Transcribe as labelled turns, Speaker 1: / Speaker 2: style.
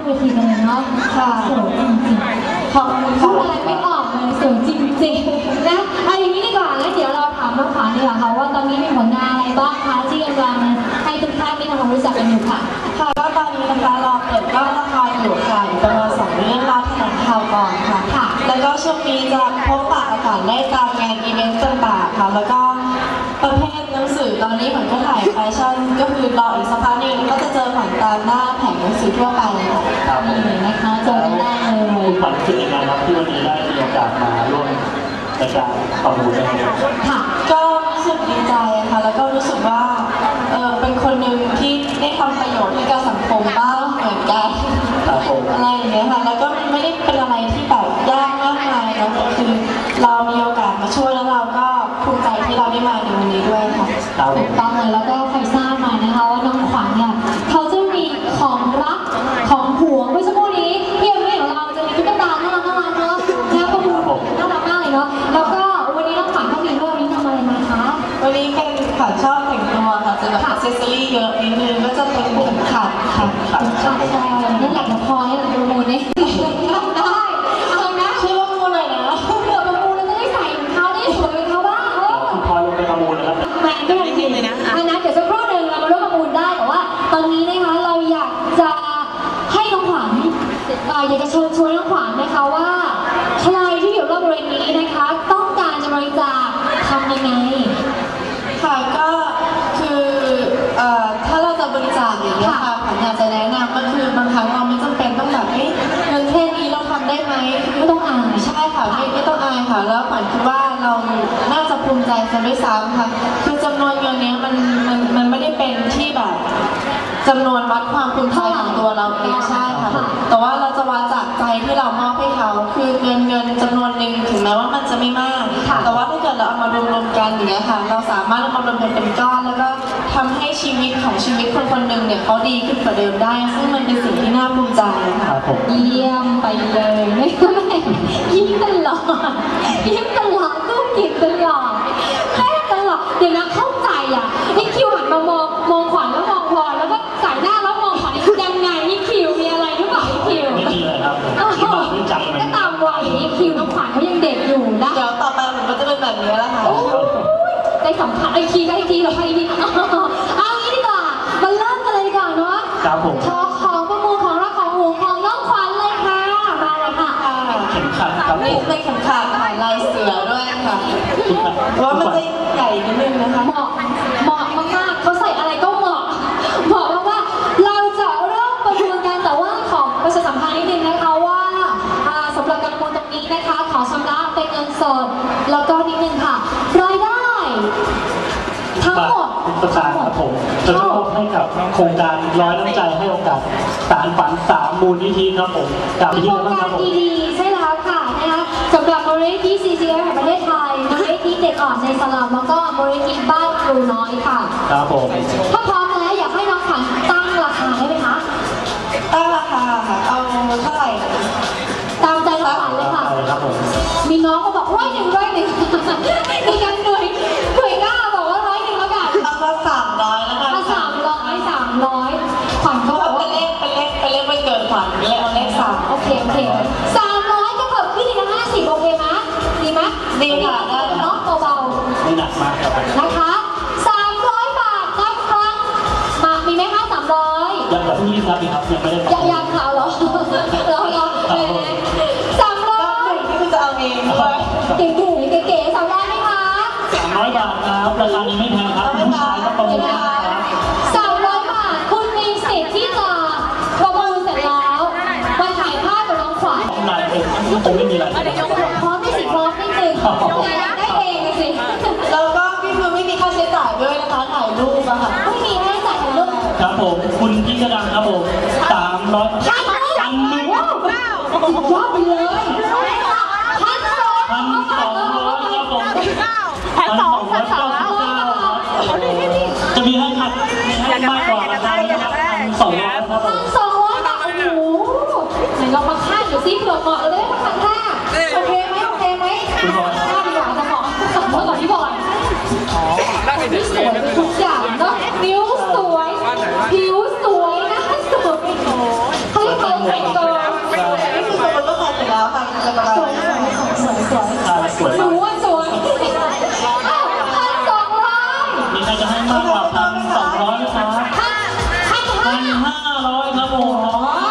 Speaker 1: เวทีกันเลยเนาะค่ะสวยจริงๆขอบคุณพูดอะไรไม่ออกเลยสวยจริงๆนะเอาอย่างนี้ดีกว่าแล้วเดี๋ยวเราถามน้องขวัญดีกว่าค่ะว่าตอนนี้มีผลงานอะไรบ้างคะที่กำลังให้ทุกท่านได้ทำความรู้จักกันอยู่ค่ะ
Speaker 2: ค่ะก็ตอนนี้นะคะเราเปิดกล้องละครอยู่ค่ะประมาณ2 เรื่องรอบแถลงข่าวก่อนค่ะแล้วก็ช่วงนี้จะพบปะกันได้ตามงานอีเวนต์ต่างๆค่ะแล้วก็ประเภทหนังสือตอนนี้เหมือนก็ถ่ายแฟชั่นก็คือรออีกสักพักนึงก็จะเจอผ่านตามหน้าแผงหนังสือทั่วไปค่ะ
Speaker 1: นี่นะคะเจอกันได้เลย
Speaker 3: คุณขวัญรู้สึกยังไงครับที่วันนี้ได้มีโอกาสมาร่วมในการประมูลนะครับ
Speaker 2: ค่ะก็รู้สึกดีใจค่ะแล้วก็รู้สึกว่าเป็นคนหนึ่งที่ได้ทำประโยชน์ให้กับสังคมบ้างเหมือนกันอะไรอย่างเงี้ยค่ะแล้วก็ไม่ได้เป็นอะไรที่แบบยากมากมายนะคือเรามีโอกาสมาช่วยแล้วเราก็ภูมิใจที่เราได้มาในวันนี้ด้วยค่ะ
Speaker 1: ถูกต้องเลยแล้วก็ใครทราบมานะคะว่าน้องขวัญเนี่ยเขาจะมีของรักของห่วงเมื่อสักครู่นี้ที่เอ็มของเราจะมีตุ๊กตาน่ารักเนาะแล้วก็น่ารักมากเลยเนาะแล้วก็วันนี้น้องขวัญก็มีด้วยวันนี้ทำอะไรมาคะ
Speaker 2: วันนี้เป็นขวัญชอบแต่งตัวค่ะจะแบบอัซเซสซอรี่เยอะนิดนึงก็จะเป็นเข็มขัดค่ะ
Speaker 1: ใช่นั่นแหละพอให้เราประมูลเนี่ยได้เอานะ
Speaker 2: ช่วยประมูลหน่อยนะ
Speaker 1: เผื่อประมูลแล้วจะได้ใส่ของเขาได้สวยเป็นเขาบ้าง
Speaker 3: พอลงไปประมูลนะครับ
Speaker 1: แหวนก็ยังดีเลยนะเดี๋ยวสักครู่หนึ่งเรามาร่วมประมูลได้แต่ว่าตอนนี้นะคะเราอยากจะให้น้องขวัญอยากจะเชิญชวนน้องขวัญนะคะว่าใครที่อยู่รอบบริเวณนี้นะคะต้องการจะบริจาคทำยังไง
Speaker 2: ค่ะก็คือถ้าเราจะบริจาคอย่างนี้ค่ะขวัญอยากจะแนะนำก็คือบางครั้งเราไม่จำเป็นต้องแบบเงินแค่นี้เราทำได้ไหม
Speaker 1: ไม่ต้องอาย
Speaker 2: ใช่ค่ะไม่ต้องอายค่ะแล้วขวัญคิดว่าเราน่าจะภูมิใจกันด้วยซ้ำค่ะคือจำนวนเงินนี้มันไม่ได้เป็นที่แบบจำนวนวัดความภูมิใจของตัวเราเองใช่ค่ะแต่ว่าเราจะวัดจากใจที่เรามอบให้เขาคือเงินจำนวนหนึ่งถึงแม้ว่ามันจะไม่มากแต่ว่าถ้าเกิดเราเอามารวมกันอย่างเงี้ยค่ะเราสามารถเอามารวมกันเป็นก้อนแล้วก็ทำให้ชีวิตคนคนหนึ่งเนี่ยเขาดีขึ้นกว่าเดิมได้ซึ่งมันเป็นสิ่งที่น่าภูมิใจค่ะ
Speaker 1: เยี่ยมไปเลยไม่ยิ้มตลอดยิ้มตลอดก็กินตลอดแค่ตลอดเดี๋ยวนะเข้าใจอ่ะนี่คิวหันมามองขวัญแล้วมองพอแล้วก็สายหน้าแล้วมองขวัญยังไงนี่คิวมีอะไรหรือเปล่านี่คิว
Speaker 3: ไม่มีเลยครับ
Speaker 1: ก็ตามวัยนี่คิวน้องขวัญเขายังเด็กอยู่นะ
Speaker 2: เดี๋ยวต่อไปมันก็จะเป็นแบบนี้แล้วค่ะ
Speaker 1: ได้สัมผัสไอทีเราให้ทีเอางี้ดีกว่ามาเริ่มกันเลยดีกว่าเนาะ
Speaker 3: ครับผม
Speaker 1: ของประมูลของรักของห่วงของน้องขวัญเลยค่ะมาเลยค่ะ
Speaker 3: เข็มขัดครับ
Speaker 2: นี่เป็นเข็มขัดค่ะลายเสือด้วยค่ะเพราะว่ามันจะใหญ่นิดนึงนะคะ
Speaker 1: เหมาะมากเขาใส่อะไรก็เหมาะว่าเราจะเริ่มประมูลกันแต่ว่าของประชาสัมพันธ์นิดนึงนะคะว่าสำหรับการประมูลตรงนี้นะคะขอชำระเป็นเงินสดแล้วก็นิดนึงค่ะรายได้ทั้งหมด
Speaker 3: ครับผมจะมอบให้กับโครงการร้อยน้ำใจให้โอกาสสารฝัน3 มูลนิธิครับผม
Speaker 1: กับโครงการดีๆใช่แล้วค่ะนะคะสำหรับมูลนิธิ CCF แห่งประเทศไทยมูลนิธิเด็กอ่อนในสลัมแล้วก็มูลนิธิบ้านครูน้อยค่ะ
Speaker 3: ครับผม
Speaker 1: ถ้าพร้อมแล้วอยากให้น้องขวัญตั้งราคาได้ไหมคะ
Speaker 2: ตั้งราคาค่ะเอาเท่าไหร่
Speaker 1: ตามใจน้องขวัญเลยค่ะมีน้องก็บอก100มีกันหน่วยกล้าบอกว่า100แล้วกัน
Speaker 2: เอาว่า300แล้วกัน
Speaker 1: 300ขวัญก็บอกว่า
Speaker 2: เป็นเลขไม่เกินขวัญเลยเอาเลข3
Speaker 1: โอเค300ก็เพิ่มขึ้นอีกนะ50โอเคไหมดีไหม
Speaker 2: ดีค่ะได้
Speaker 1: เนาะเบา
Speaker 3: ๆไม่หนักมากครับ
Speaker 1: นะคะ300 บาทนะคะมามีไหมคะ300
Speaker 3: ยังแบบนี้ครับยังไม่ได้
Speaker 1: ยังข่าวเหรอ300
Speaker 2: ที่คุณจะเอาเองด้วย
Speaker 1: เก๋300ไหมคะ
Speaker 3: 300 บาทครับราคานี้ไม่แพงครับผู้ชายก็ประมูล
Speaker 1: 300 บาทคุณมีสิทธิ์ที่จะประมูลเสร็จแล้วมาถ่ายภาพกับน้องขวัญ
Speaker 3: คงไม่มีอะไร
Speaker 1: พร้อมนิดนึงได้เองสิ
Speaker 2: แล้วก็พี่คือไม่มีค่าใช้จ่ายด้วยนะคะถ่ายรูปอะค่ะ
Speaker 1: ไม่มีค่าใช้จ่ายถ่ายรูป
Speaker 3: ครับผมคุณพี่กระดังครับผม300
Speaker 1: พันหนึ่งยอดไปเลย
Speaker 3: 1,200ครับผมจะมีให้ขัดให้มากกว่านะครับ1,200ครับผม
Speaker 1: 1,200 บาทโอ้โหไหนลองมาค่าอยู่ซิเผื่อเหมาะเลยมาค่าโอเคไหมค่าดีกว่าจะเหมาะก่อนที่บอยนี่สวยทุกอย่างเนาะนิ้วสวยผิวสวยหน้าสวยเขาเรียก
Speaker 2: อะไรประมาณ
Speaker 1: สวย
Speaker 2: นี้
Speaker 1: สวยสวย
Speaker 3: สวย
Speaker 1: หนู
Speaker 3: มาก
Speaker 1: ว่าสวยอ้าว1,200
Speaker 3: มีใครจะให้มากกว่า1,200ไหมครับ
Speaker 1: 1,500
Speaker 3: 1,500ครับผม